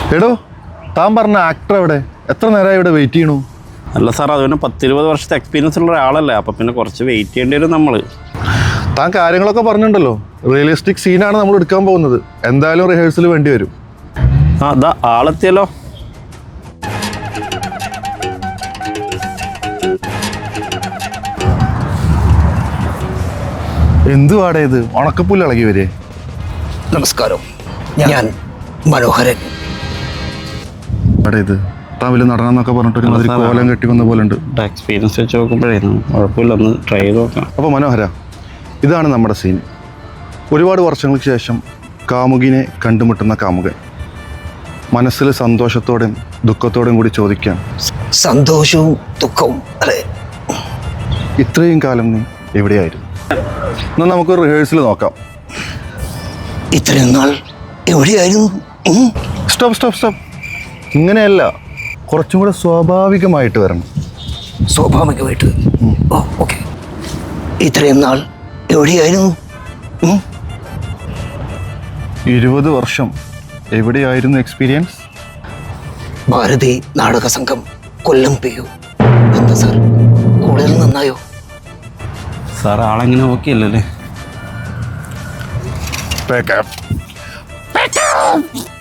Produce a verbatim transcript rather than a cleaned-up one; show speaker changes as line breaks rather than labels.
എടോ, താൻ പറഞ്ഞ ആക്ടർ എവിടെ? എത്ര നേരമായി ഇവിടെ വെയിറ്റ് ചെയ്യണു?
അല്ല സാർ, അത് പിന്നെ പത്തിരുപത് വർഷത്തെ എക്സ്പീരിയൻസ് ഉള്ള ഒരാളല്ലേ, അപ്പം പിന്നെ കുറച്ച് വെയിറ്റ് ചെയ്യേണ്ടി വരും നമ്മൾ.
താൻ കാര്യങ്ങളൊക്കെ പറഞ്ഞിട്ടുണ്ടല്ലോ. റിയലിസ്റ്റിക് സീനാണ് നമ്മൾ എടുക്കാൻ പോകുന്നത്. എന്തായാലും റിഹേഴ്സൽ വേണ്ടി വരും.
ആ അതാ ആളെത്തിയല്ലോ.
എന്തുവാടേ ഇത്? ഉണക്കപ്പുല്ല് ഇളകി വരെ.
നമസ്കാരം, ഞാൻ മനോഹരൻ.
അവിടെ ഇത് താൻ വലിയ നടനെന്നൊക്കെ പറഞ്ഞിട്ട് ഒരുമാതിരി കോലം കെട്ടി വന്ന പോലെ ഉണ്ട്.
എക്സ്പീരിയൻസ് വെച്ച് നോക്കുമ്പോഴേ കുഴപ്പമില്ല, ഒന്ന് ട്രൈ ചെയ്ത് നോക്കാം.
അപ്പോൾ മനോഹര, ഇതാണ് നമ്മുടെ സീൻ. ഒരുപാട് വർഷങ്ങൾക്ക് ശേഷം കാമുകിനെ കണ്ടുമുട്ടുന്ന കാമുകൻ മനസ്സിൽ സന്തോഷത്തോടെയും ദുഃഖത്തോടെയും കൂടി ചോദിക്കാൻ,
സന്തോഷവും ദുഃഖവും അല്ലേ?
ഇത്രയും കാലം നീ എവിടെയായിരുന്നു? എന്നാൽ നമുക്ക് റിഹേഴ്സൽ നോക്കാം.
ഇത്രയും നാൾ എവിടെയായിരുന്നു?
സ്റ്റോപ്പ് സ്റ്റോപ്പ് സ്റ്റോപ്പ് ഇങ്ങനെയല്ല, കുറച്ചും കൂടെ സ്വാഭാവികമായിട്ട് വരണം.
സ്വാഭാവികമായിട്ട്? ഓ ഓക്കെ. ഇത്രയും നാൾ എവിടെയായിരുന്നു?
ഇരുപത് വർഷം എവിടെയായിരുന്നു എക്സ്പീരിയൻസ്?
ഭാരതി നാടക സംഘം, കൊല്ലം പി യു. എന്താ സാർ, കൂടുതൽ നന്നായോ?
സാർ ആളെങ്ങനെ ഓക്കെ അല്ലല്ലേ?
Back up. Back up.